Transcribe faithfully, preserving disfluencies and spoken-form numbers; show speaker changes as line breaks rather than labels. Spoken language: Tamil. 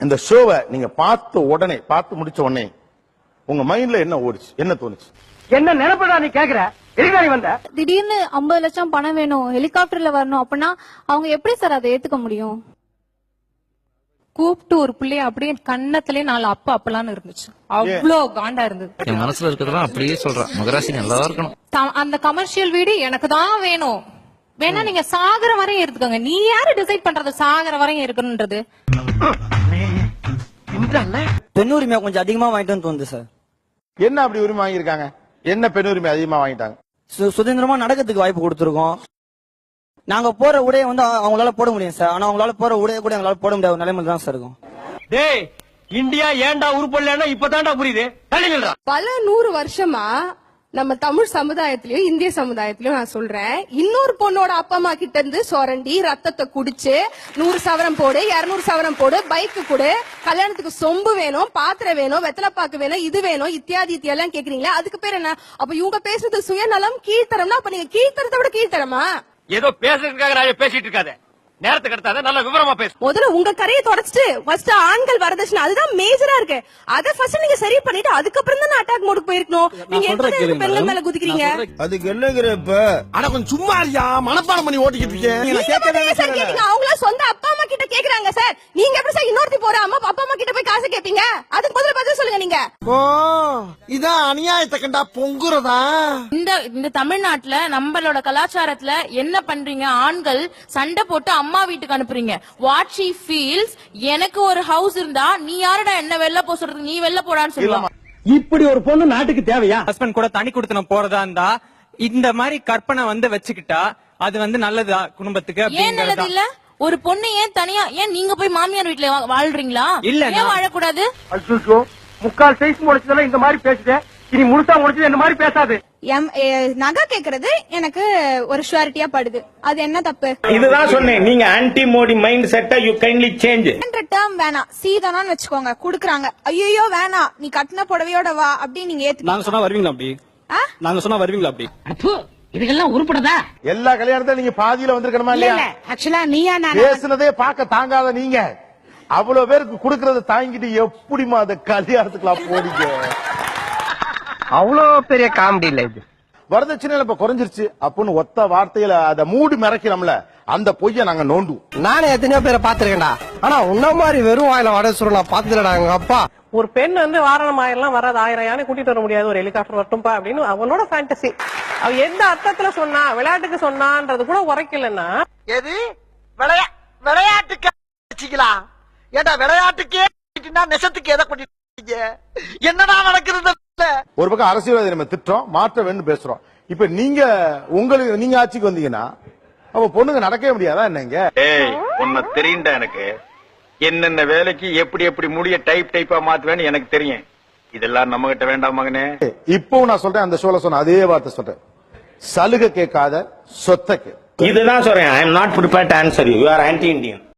இந்த ஷோவை நீங்க பார்த்த உடனே பார்த்து முடிச்ச உடனே உங்க மைண்ட்ல என்ன ஓடுச்சு, என்ன தோணுச்சு?
என்ன நினைப்பதா நீ கேக்குற? எதுக்காக வந்த?
திடீர்னு ஐம்பது லட்சம் பணம் வேணும், ஹெலிகாப்டர்ல வரணும் அப்படின்னா அவங்க எப்படி சார் அதை ஏத்துக்க முடியும்?
கூப்பிட்டு ஒரு பிள்ளைய அப்படியே கண்ணத்திலே நாலு அப்ப அப்பலான்னு இருந்துச்சு. அவ்வளோ காண்டா இருந்தது.
என் மனசுல இருக்கிறதெல்லாம் அப்படியே சொல்றேன். மகராசி நல்லா இருக்கணும்.
அந்த கமர்ஷியல் வீடு எனக்கு தான் வேணும். வேணா நீங்க சாகர வரையும் எடுத்துக்கோங்க. நீ யாரு டிசைட் பண்றது சாகர வரையும் இருக்கணும்ன்றது?
பெண் உரிமையை கொஞ்சம் அதிகமா வாங்கிட்டு தோணுது சார்.
என்ன அப்படி உரிமை வாங்கியிருக்காங்க? என்ன பெண் உரிமை அதிகமா வாங்கிட்டாங்க?
சுதந்திரமா நடக்கிறதுக்கு வாய்ப்பு கொடுத்துருக்கோம். நாங்க போற உடைய வந்து அவங்களால போட முடியும் சார். ஆனா அவங்களால போற உடைய கூட எங்களால போட முடியாத நிலைமையில தான் சார் இருக்கும்.
டேய், இந்தியா ஏன்டா உருப்படலன்னா இப்பதான்டா புரியுது.
பல நூறு வருஷமா நம்ம தமிழ் சமுதாயத்திலயும் இந்திய சமுதாயத்திலயும் நான் சொல்றேன், இன்னொரு பொண்ணோட அப்பா அம்மா கிட்ட இருந்து சொரண்டி ரத்தத்தை குடிச்சு நூறு சவரம் போடு, இருநூறு சவரம் போடு, பைக்கு கொடு, கல்யாணத்துக்கு சொம்பு வேணும், பாத்திரம் வேணும், வெத்தலைப்பாக்கு வேணும், இது வேணும், இத்தியாதி இத்தியெல்லாம் கேக்குறீங்களா? அதுக்கு பேர் என்ன? அப்ப இவங்க பேசுறது சுயநலம், கீழ்த்தரம்னா அப்ப நீங்க கீழ்த்தரத்தை விட கீழ்த்தரமா?
ஏதோ பேசுறதுக்காக நான் பேசிட்டு இருக்காத. நேரத்துக்கு எடுத்தாத, நல்ல விவரமா பேசு.
முதல்ல உங்க கரையை தொடச்சிட்டு ஃபர்ஸ்ட் ஆண்கள் வரதட்சணை அதுதான் மேஜரா இருக்கு. அத ஃபர்ஸ்ட் நீங்க சரி பண்ணிட்டு அதுக்கப்புறம் தான் அட்டாக் மோடுக்கு போயிருக்கணும். நீங்க எப்படி பெண்கள் மேல குதிக்கிறீங்க?
அதுக்கு என்னங்கற இப்ப? அட கொஞ்சம் சும்மா இருயா, மனப்பாடம் பண்ணி ஓட்டிக்கிட்டு
இருக்கீங்க. அவங்கள சொந்த அப்பா அம்மா கிட்ட கேக்குறாங்க சார். நீங்க எப்படி சார் இன்னொருத்தி போற அம்மா அப்பா அம்மா கிட்ட போய் காசு கேப்பீங்க? அதுக்கு முதல்ல பதில் சொல்லுங்க நீங்க.
ஓ, இதான் அநியாயத்தை கண்டா பொங்குறதா?
இந்த இந்த தமிழ்நாட்டுல நம்மளோட கலாச்சாரத்துல என்ன பண்றீங்க? ஆண்கள் சண்டை போட்டு அம்மா வீட்டுக்கு அனுப்புறீங்க. வாட் ஷி ஃபீல்ஸ், எனக்கு ஒரு ஹவுஸ் இருந்தா நீ யாரடா என்ன வெளில போ சொல்றதுக்கு, நீ வெளில போடான்னு சொல்லுவாங்க.
இப்படி ஒரு பொண்ணு நாட்டுக்கு தேவையா?
ஹஸ்பண்ட் கூட தனி கொடுத்து போறதா இருந்தா இந்த மாதிரி கற்பனை வந்து வச்சுக்கிட்டா அது வந்து நல்லதா குடும்பத்துக்கு?
ஏன் நல்லது இல்ல? ஒரு பொண்ணு ஏன் தனியா, ஏன் நீங்க போய் மாமியார் வீட்டுல வாழ்றீங்களா?
இல்ல,
ஏன் வாழக்கூடாது?
அச்சோ, முக்கால் சைஸ் முடிச்சதெல்லாம் இந்த மாதிரி பேசுதே, இனி முழுசா முடிச்சது இந்த மாதிரி பேசாது.
நகை கேக்குறது எனக்கு ஒரு ஷூரிட்டியா படுது. அது என்ன தப்பு?
இதுதான் சொன்னேன், நீங்க ஆன்டி மோடி மைண்ட் செட்டை யூ கைண்ட்லி சேஞ்ச்.
டேர்ம் வேணாம், சீதனான்னு வச்சுக்கோங்க, குடுக்குறாங்க. ஐயோ வேணாம், நீ கட்டின புடவையோட வா அப்படி நீங்க ஏத்து.
நாங்க சொன்னா வருவீங்களா அப்படி? நாங்க சொன்னா வருவீங்களா அப்படி?
இதுக்கெல்லாம் உருப்படதா?
எல்லா கல்யாணத்தையும் நீங்க பாதியில வந்திருக்கணுமா இல்லையா?
ஆக்சுவலா நீயா நான்
பேசுனதே பார்க்க தாங்காத நீங்க அவ்வளவு பேருக்கு குடுக்கறத தாங்கிட்டு எப்படிமா அந்த கல்யாணத்துக்குலாம் போறீங்க?
அவ்வளவு பெரிய காமெடி இல்ல இது.
வரதட்சணை இப்ப குறைஞ்சிருச்சு அப்படின்னு ஒத்த வார்த்தையில அத மூடி மறைக்கிறோம்ல, அந்த பொய்ய நாங்க நோண்டுவோம்.
நானே எத்தனையோ பேரை பாத்துருக்கேன்டா. ஆனா உன்ன மாதிரி வெறும் வாயில வட சுருள் நான் பாத்துலடா. எங்க அப்பா
ஒரு பெண் வந்து வாரணம் ஆயிரம் வராது, ஆயிரம் யானை கூட்டிட்டு வர முடியாது, ஒரு ஹெலிகாப்டர் வரட்டும்பா அப்படின்னு அவனோட ஃபேண்டசி. அவ எந்த அர்த்தத்துல சொன்னா, விளையாட்டுக்கு சொன்னான்றது கூட உரைக்கலன்னா
எது விளையா விளையாட்டுக்கு வச்சுக்கலாம். ஏண்டா விளையாட்டுக்கே நெசத்துக்கு எதை பண்ணிட்டு என்னடா நடக்கிறது?
ஒரு பக்கம் அரசியல்வாதி நம்ம திட்டம் மாற்ற வேண்டும் பேசுறோம். இப்ப நீங்க உங்களுக்கு நீங்க ஆட்சிக்கு வந்தீங்கன்னா அப்ப பொண்ணுங்க நடக்கவே முடியாதா என்னங்க?
உன்னை தெரியுண்டா எனக்கு. என்னென்ன வேலைக்கு எப்படி எப்படி முடிய டைப் டைப்பா மாத்துவேன்னு எனக்கு தெரியும். இதெல்லாம் நம்ம கிட்ட வேண்டாம் மகனே.
இப்பவும் நான் சொல்றேன், அந்த ஷோல சொன்ன அதே வார்த்தை சொல்றேன், சலுகை கேட்காத சொத்தை.
இதுதான் சொல்றேன். I am not prepared to answer you. You are anti Indian.